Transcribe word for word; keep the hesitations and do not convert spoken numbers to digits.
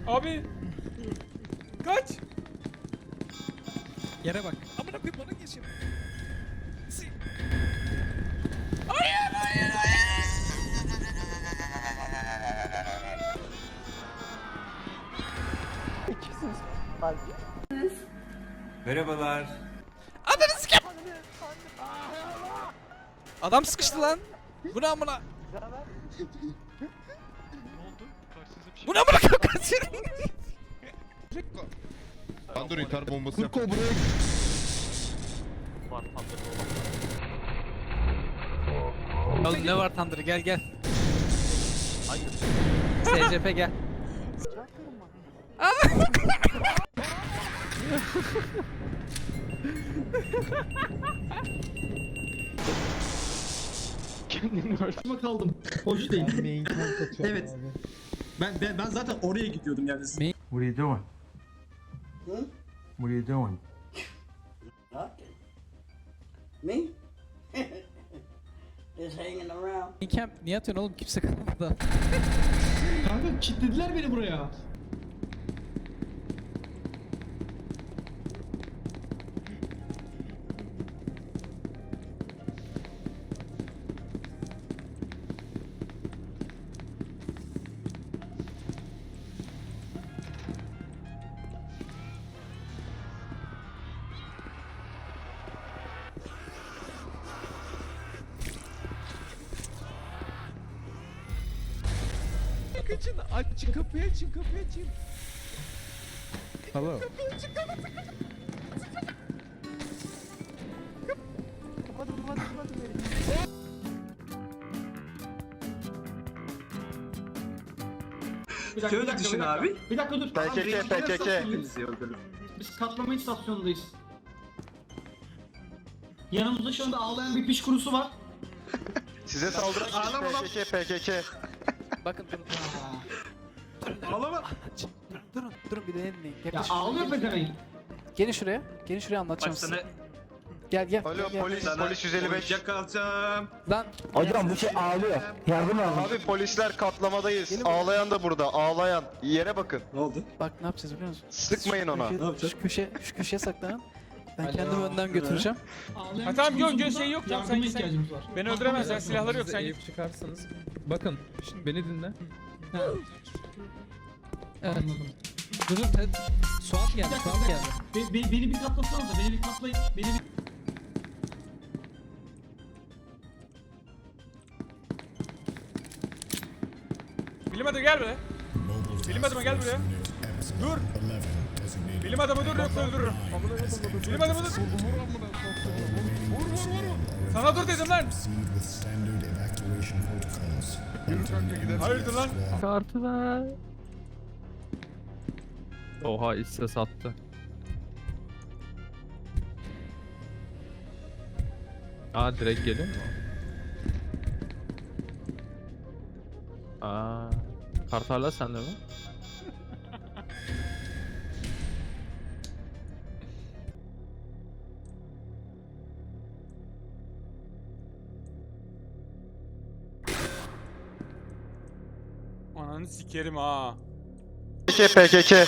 Abi. Kaç. Yere bak. Amına koyayım bana geçin. Hayır hayır hayır. İkisiniz. Merhabalar. Ananı sikeyim. Adam sıkıştı lan. Bu ne amına? Bu ne amına koyayım? Tandır intihar bombası yap. Oğlum ne var Tandır, gel gel. S C P gel. Kendimi kaldım. Hoş değil. Evet. Ben, ben ben zaten oraya gidiyordum yani. What are you doing? Hı? What are you doing? Okay. Me? Just hanging around. Camp niye atıyorsun oğlum, kimse kalmadı. Kanka kilitlediler beni buraya. Kaçın, açın kapıyı, açın kapıyı, açın. Hello. Bir dakika, Şöyle bir dakika, düşün bir dakika. abi. Bir dakika dur. P K K, Abi, P K K. Biz katlama istasyonundayız. Yanımızda şu anda ağlayan bir piş kurusu var. Size saldıran Ağlama lan. P K K, P K K. Bakın durun. Ağlama. Anlatacağım. Durun, durun, durun bir dinleyin. Ya Yaklaşın. ağlıyor pezevenk. Gelin şuraya, gelin şuraya anlatacağım size. Gel gel. Alo gel, gel. polis, polis yüz elli beş. Yakalacağım. Lan. Hocam bu şey ağlıyor. Yardım alın. Abi polisler katlamadayız. Ağlayan da burada, ağlayan. Yere bakın. Ne oldu? Bak ne yapacağız biliyor musun? Sıkmayın Şu ona. köşe- Ne yapacağız? Şu köşe, şu köşeye saklanın. Ben kendimi önden götüreceğim. Ağlayan Ha, bir tamam, piş gö- kurusu gö- burada. şey yok, tamam, Yardıma sen- sen- ihtiyacımız var. Beni öldüremezler, silahları yok, sen git. Eğip çıkarsanız. Bakın, şimdi beni dinle. Evet. Anladım. Durun, evet. Suat geldi, Bir dakika, Suat bir geldi. dakika. Be- be- beni bir katlasanıza, beni bir katlayın. Beni bir... Bilim adamı gel buraya. Bilim adamı gel buraya. Dur. Bilim adamı dur yoksa öldürürüm. Bilim adamı dur. Sana dur dedim lan. Hayırdır lan? Kartı ver. Oha, hisse sattı. Aa, direkt geliyor mu? Aa, kart hala sende mi? Ananı sikerim ha. P K K, P K K.